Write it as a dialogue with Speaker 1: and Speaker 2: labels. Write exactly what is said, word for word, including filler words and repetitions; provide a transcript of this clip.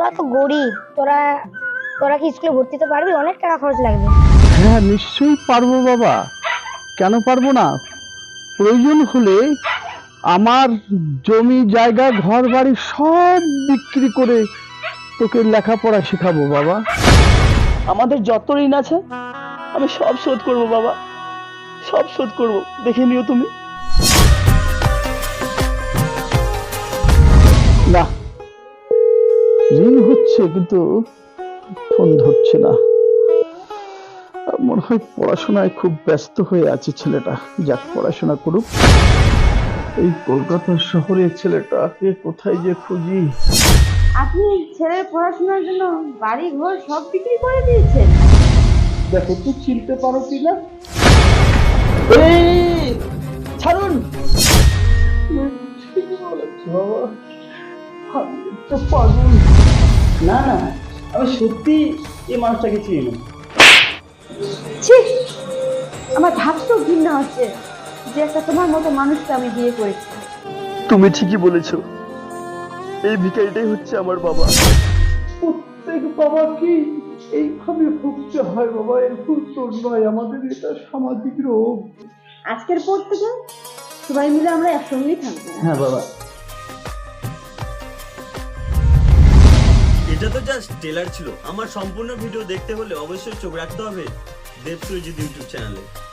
Speaker 1: তোরা তো গরিব, তোরা তোরা কি স্কুলে ভর্তি হতে পারবি? অনেক টাকা খরচ লাগবে।
Speaker 2: হ্যাঁ নিশ্চয়ই পারবো বাবা, কেন পারবো না। প্রয়োজন হলে আমার জমি জায়গা ঘর বাড়ি সব বিক্রি করে তোকে লেখাপড়া শেখাবো বাবা। আমাদের যত ঋণ আছে আমি সব শোধ করবো বাবা, সব শোধ করবো, দেখে নিও তুমি। না, ঋণ হচ্ছে কিন্তু ফোন ধরছে না, মনে হয় পড়াশোনায় খুব ব্যস্ত হয়ে আছে ছেলেটা। যাক, পড়াশোনা করুক। এই কলকাতা শহরে ছেলেটাকে কোথায় যে খুঁজি।
Speaker 3: আপনি ছেলের পড়াশোনার জন্য বাড়ি ঘর সব বিক্রি করে দিয়েছেন?
Speaker 2: দেখো তুই চিনতে পারো কিনা। এই ছাড়ুন, ঠিকই বলেছো বাবা, আমি তো পাগল। না না, আমি সত্যি এই মানুষটাকে চিনি না।
Speaker 3: ছি, আমার ভাবতেও ঘৃণা হচ্ছে যে একটা তোমার মতো মানুষকে আমি বিয়ে করেছি।
Speaker 2: তুমি ঠিকই বলেছো, এই ভিখারিটাই হচ্ছে আমার বাবা। প্রত্যেক বাবাকে এইভাবে ভুগতে হয় বাবা, এর ভুল তোর নয়, আমাদের এটা সামাজিক রোগ।
Speaker 3: আজকের পর থেকে সবাই মিলে আমরা একসঙ্গেই থাকবো।
Speaker 2: হ্যাঁ বাবা।
Speaker 4: এটা তো জাস্ট ট্রেলার ছিল। আমার সম্পূর্ণ ভিডিও দেখতে হলে অবশ্যই চোখ রাখতে হবে দেব সুরজিৎ ইউটিউব চ্যানেলে।